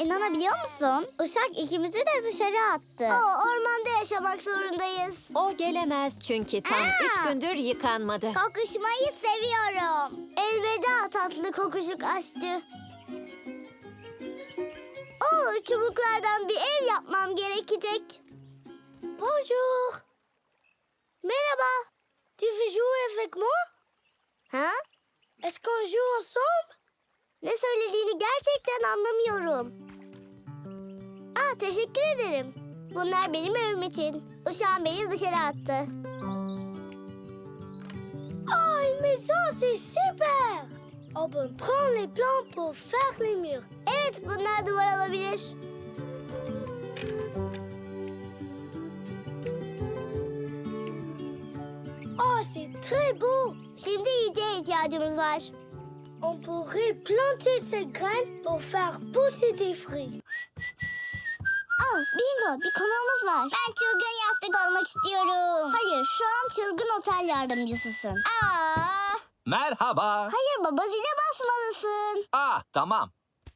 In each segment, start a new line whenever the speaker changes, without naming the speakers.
İnanabiliyor musun? Uşak ikimizi de dışarı attı. Ormanda yaşamak zorundayız.
O gelemez çünkü tam 3 gündür yıkanmadı.
Kokuşmayı seviyorum. Elveda tatlı kokuşuk aşçı. Çubuklardan bir ev yapmam gerekecek. Bonjour. Merhaba. Tu veux jouer avec moi? Ha? Est-ce qu'on joue ensemble? Ne söylediğini gerçekten anlamıyorum. Teşekkür ederim. Bunlar benim evim için. Uşağım beni dışarı attı. Une maison, c'est super! On peut prendre les plans pour faire les murs. Evet, bunlar duvar olabilir. C'est très beau. Şimdi yiyeceğe ihtiyacımız var. On pourrait planter ces graines pour faire pousser des fruits. Bingo, bir konuğumuz var. Ben çılgın yastık olmak istiyorum. Hayır, şu an çılgın otel yardımcısısın.
Merhaba.
Hayır baba, zile basmalısın.
Tamam.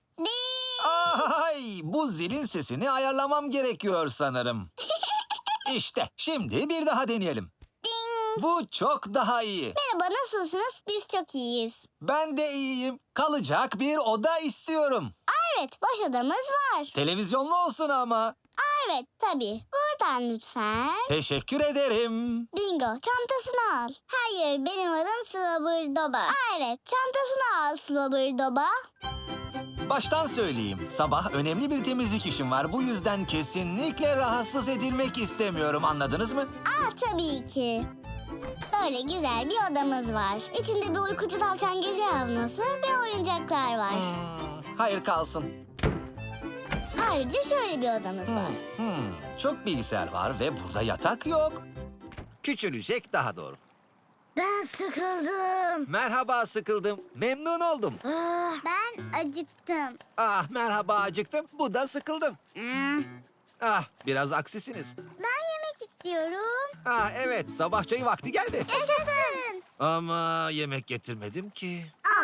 Ay, bu zilin sesini ayarlamam gerekiyor sanırım. İşte, şimdi bir daha deneyelim. Bu çok daha iyi.
Merhaba, nasılsınız? Biz çok iyiyiz.
Ben de iyiyim. Kalacak bir oda istiyorum.
Evet, boş odamız var.
Televizyonlu olsun ama.
Evet, tabii. Buradan lütfen.
Teşekkür ederim.
Bingo, çantasını al. Hayır, benim adım Slobberdoba. Evet, çantasını al Slobberdoba.
Baştan söyleyeyim. Sabah önemli bir temizlik işim var. Bu yüzden kesinlikle rahatsız edilmek istemiyorum. Anladınız mı?
Tabii ki. Böyle güzel bir odamız var. İçinde bir uykucu tavşan gece yazması ve oyuncaklar var.
Hayır, kalsın.
Ayrıca şöyle bir odamız var.
Çok bilgisayar var ve burada yatak yok. Küçülecek daha doğru.
Ben sıkıldım.
Merhaba, sıkıldım. Memnun oldum.
Ben acıktım.
Merhaba, acıktım. Bu da sıkıldım. Biraz aksisiniz.
Ben yemek istiyorum.
Evet, sabah çayı vakti geldi.
Yaşasın.
Ama yemek getirmedim ki.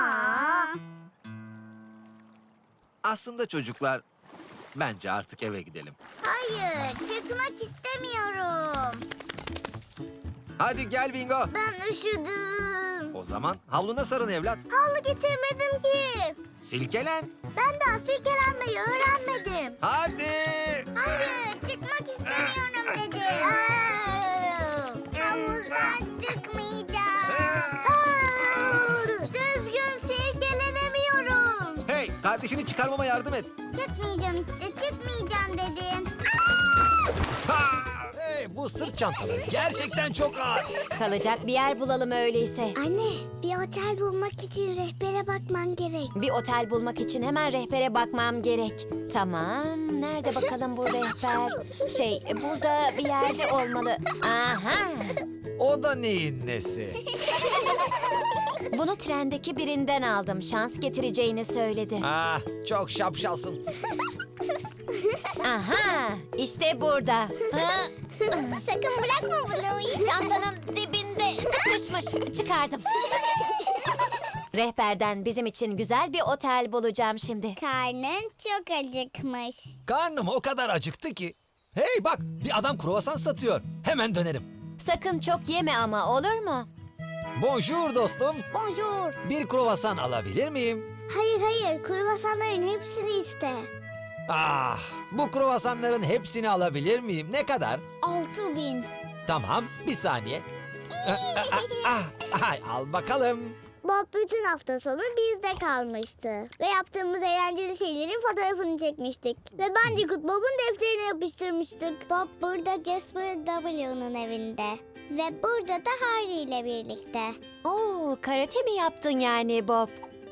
Aslında çocuklar, bence artık eve gidelim.
Hayır, çıkmak istemiyorum.
Hadi gel Bingo.
Ben üşüdüm.
O zaman havluna sarın evlat.
Havlu getirmedim ki.
Silkelen.
Ben daha silkelenmeyi öğrenmedim.
Hadi.
Hayır, çıkmak istemiyorum dedim. Havuzdan çıkmayacağım. Düzgün silkelenemiyorum.
Hey, kardeşini çıkarmama yardım et.
Çıkmayacağım işte, çıkmayacağım dedim.
Hey, bu sırt çantaları gerçekten çok ağır.
Kalacak bir yer bulalım öyleyse.
Anne, bir otel bulmak için rehbere bakman gerek.
Bir otel bulmak için hemen rehbere bakmam gerek. Tamam, nerede bakalım bu rehber? Burada bir yerde olmalı. Aha!
O da neyin nesi?
Bunu trendeki birinden aldım. Şans getireceğini söyledi.
Çok şapşalsın.
Aha! İşte burada. Ha,
Sakın bırakma bunu.
çantanın dibinde sıkışmış. Çıkardım. Rehberden bizim için güzel bir otel bulacağım şimdi.
Karnın çok acıkmış.
Karnım o kadar acıktı ki. Hey bak, bir adam kruvasan satıyor. Hemen dönerim.
Sakın çok yeme ama, olur mu?
Bonjour dostum.
Bonjour.
Bir kruvasan alabilir miyim?
Hayır, kruvasanların hepsini iste.
Bu kruvasanların hepsini alabilir miyim? Ne kadar?
6000.
Tamam, bir saniye. Al bakalım.
Bob bütün hafta sonu bizde kalmıştı. Ve yaptığımız eğlenceli şeylerin fotoğrafını çekmiştik. Ve Bandicoot Bob'un defterine yapıştırmıştık. Bob burada Jasper W'nun evinde. Ve burada da Harry ile birlikte.
Oo, karate mi yaptın yani Bob?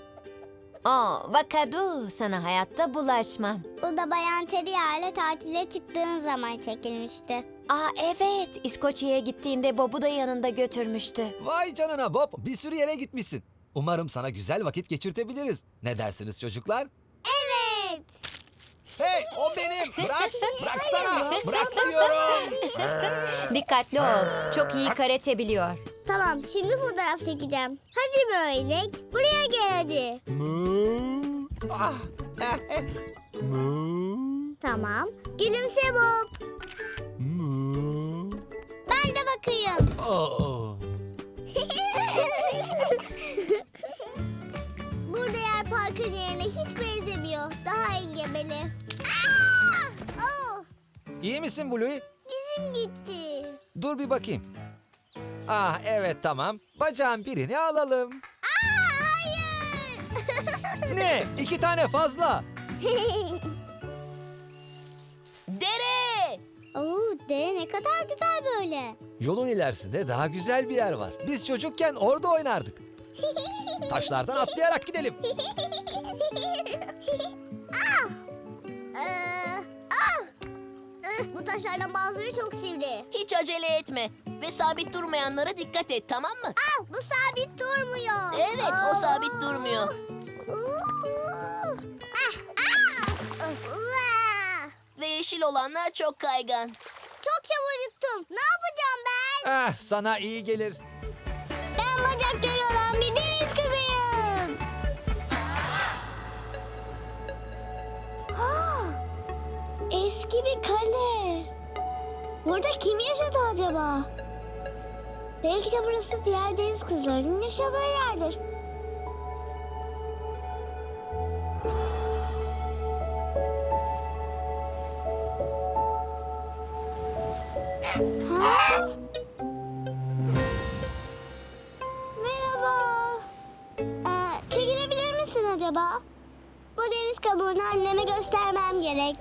Vakadu, sana hayatta bulaşmam.
Bu da Bayan Terrier'le tatile çıktığın zaman çekilmişti.
Evet, İskoçya'ya gittiğinde Bob'u da yanında götürmüştü.
Vay canına Bob, bir sürü yere gitmişsin. Umarım sana güzel vakit geçirtebiliriz. Ne dersiniz çocuklar?
Evet.
Hey, o benim. Bıraksana. Bırak diyorum.
Dikkatli ol, çok iyi karate biliyor.
Tamam, şimdi fotoğraf çekeceğim. Hadi böyle inek, buraya gel hadi. Tamam. Gülümse Bob. Ben de bakayım. Burada yer parkın yerine hiç benzemiyor. Daha engebeli. Aa! Oh,
İyi misin Bluey?
dizim gitti.
Dur bir bakayım. Ah evet tamam. Bacağın birini alalım.
Aa, hayır.
Ne? 2 tane fazla.
Dere!
Oo, dere ne kadar güzel böyle.
Yolun ilerisinde daha güzel bir yer var. Biz çocukken orada oynardık. Taşlardan atlayarak gidelim.
Bu taşlardan bazıları çok sivri.
Hiç acele etme ve sabit durmayanlara dikkat et, tamam mı?
Bu sabit durmuyor.
Evet, o sabit durmuyor. Ve yeşil olanlar çok kaygan.
Çok çabuk yuttum. Ne yapacağım ben?
Ah sana iyi gelir.
Ben bacakları olan bir deniz kızıyım. Eski bir kale. Burada kim yaşadı acaba? Belki de burası diğer deniz kızlarının yaşadığı yerdir. Ha? Merhaba. Çekilebilir misin acaba? Bu deniz kabuğunu anneme göstermem gerek.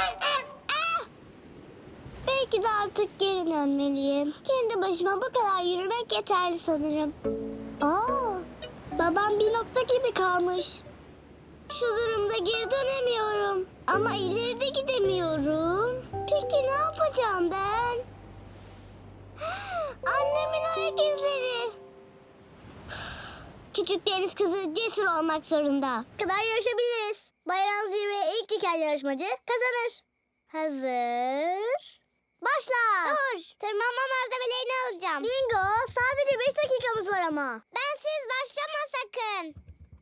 Belki de artık geri dönmeliyim. Kendi başıma bu kadar yürümek yeterli sanırım. Babam bir nokta gibi kalmış. Şu durumda geri dönemiyorum. Ama ileride gidemiyorum. Peki ne yapacağım ben? Annemin ayak izleri. Küçük deniz kızı cesur olmak zorunda. Kadar yarışabiliriz. Bayram zirveye ilk diken yarışmacı kazanır. Hazır. Başla. Dur. Tırmanma malzemelerini alacağım. Bingo. Sadece 5 dakikamız var ama. Bensiz başlama sakın.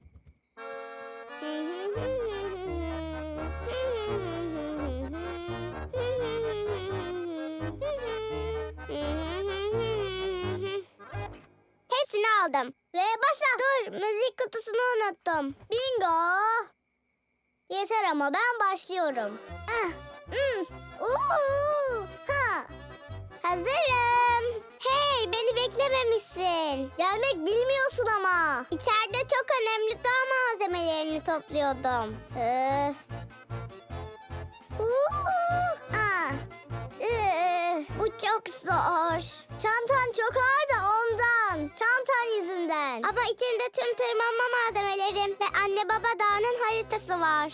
Hepsini aldım. Ve başla. Dur, müzik kutusunu unuttum. Bingo. Yeter ama ben başlıyorum. Hazırım. Hey, beni beklememişsin. Gelmek bilmiyorsun ama. İçeride çok önemli dağ malzemelerini topluyordum. Bu çok zor. Çantan çok ağır da ondan. Çantan yüzünden. Ama içinde tüm tırmanma malzemelerim ve anne baba dağının haritası var.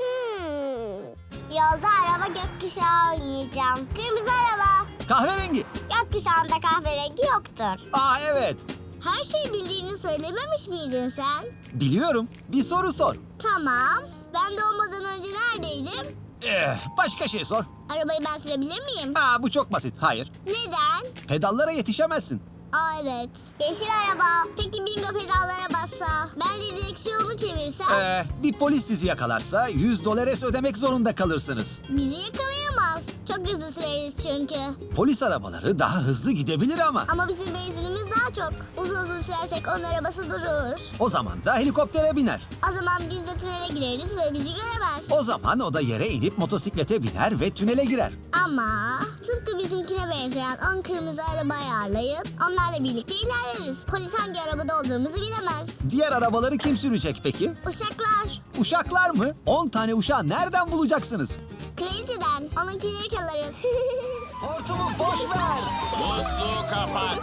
Yolda araba gökkuşağı oynayacağım. Kırmızı araba.
Kahverengi.
Gökkuşağında kahverengi yoktur.
Aa evet.
Her şeyi bildiğini söylememiş miydin sen?
Biliyorum. Bir soru sor.
Tamam. Ben doğmadan önce neredeydim?
Başka şey sor.
Arabayı ben sürebilir miyim?
Bu çok basit. Hayır.
Neden?
Pedallara yetişemezsin.
Evet. Yeşil araba. Peki bingo pedallara bassa? Ben de direksiyonu çevirsem?
Bir polis sizi yakalarsa $100 ödemek zorunda kalırsınız.
Bizi yakalayamaz. Çok hızlı süreriz çünkü.
Polis arabaları daha hızlı gidebilir ama.
Ama bizim benzinimiz daha çok. Uzun sürersek onun arabası durur.
O zaman da helikoptere biner.
O zaman biz de tünele gireriz ve bizi göremez.
O zaman o da yere inip motosiklete biner ve tünele girer.
Ama tıpkı bizimkine benzeyen 10 kırmızı araba ayarlayıp onlarla birlikte ilerleriz. Polis hangi arabada olduğumuzu bilemez.
Diğer arabaları kim sürecek peki?
Uşaklar.
Uşaklar mı? 10 tane uşağı nereden bulacaksınız?
Kraliçeden. Onunkileri çalarız.
Hortumu boş ver.
Musluğu kapat.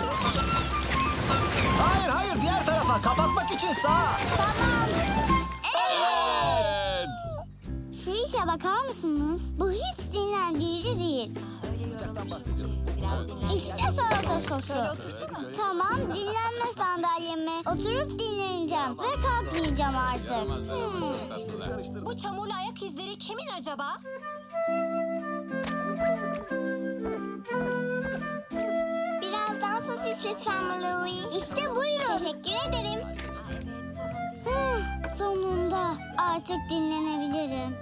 Hayır diğer tarafa kapatmak için sağa.
Evet.
Şu işe bakar mısınız? Bu hiç dinlendirici değil. İşte salata sosu. Tamam, dinlenme sandalyeme. Oturup dinleneceğim ve kalkmayacağım artık.
Bu çamurlu ayak izleri kimin acaba?
Birazdan sosis lütfen Louis. İşte buyurun. Teşekkür ederim. Sonunda. Artık Artık dinlenebilirim.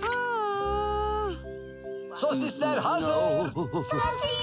Sosisler hazır.
Sosis!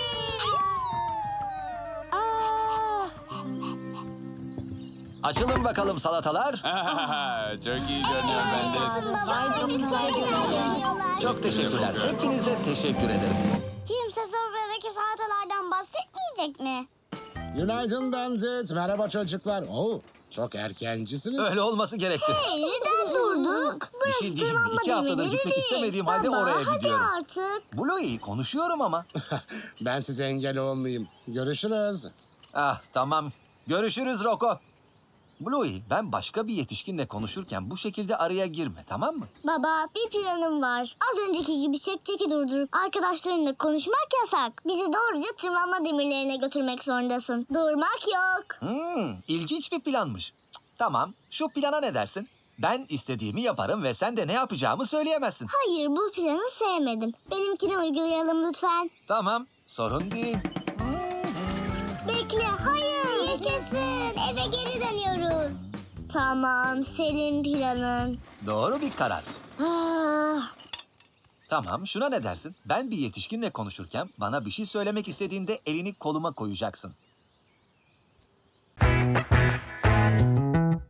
Açılın bakalım salatalar.
Çok iyi görünüyor bende.
Çok güzel görünüyorlar.
Çok teşekkürler. Hepinize teşekkür ederim.
Kimse sofradaki salatalardan bahsetmeyecek mi?
Günaydın Bandit. Merhaba çocuklar. Oo, çok erkencisiniz.
Öyle olması gerekti.
Neden durduk?
Bir şey diyeyim mi? 2 haftadır gitmek istemediğim halde oraya gidiyorum.
Hadi artık.
Bluey konuşuyorum ama.
Ben size engel olmayayım. Görüşürüz.
Ah tamam. Görüşürüz Roko. Bluey, ben başka bir yetişkinle konuşurken bu şekilde araya girme, tamam mı?
Baba, bir planım var. Az önceki gibi çeki durdurup arkadaşlarınla konuşmak yasak. Bizi doğruca tırmanma demirlerine götürmek zorundasın. Durmak yok.
İlginç bir planmış. Cık, tamam, şu plana ne dersin? Ben istediğimi yaparım ve sen de ne yapacağımı söyleyemezsin.
Hayır, bu planı sevmedim. Benimkini uygulayalım lütfen.
Tamam, sorun değil.
Bekle, hayır. Yaşasın, eve geri dönüyoruz. Tamam, senin planın.
Doğru bir karar.
Ah,
Tamam, şuna ne dersin? Ben bir yetişkinle konuşurken bana bir şey söylemek istediğinde elini koluma koyacaksın.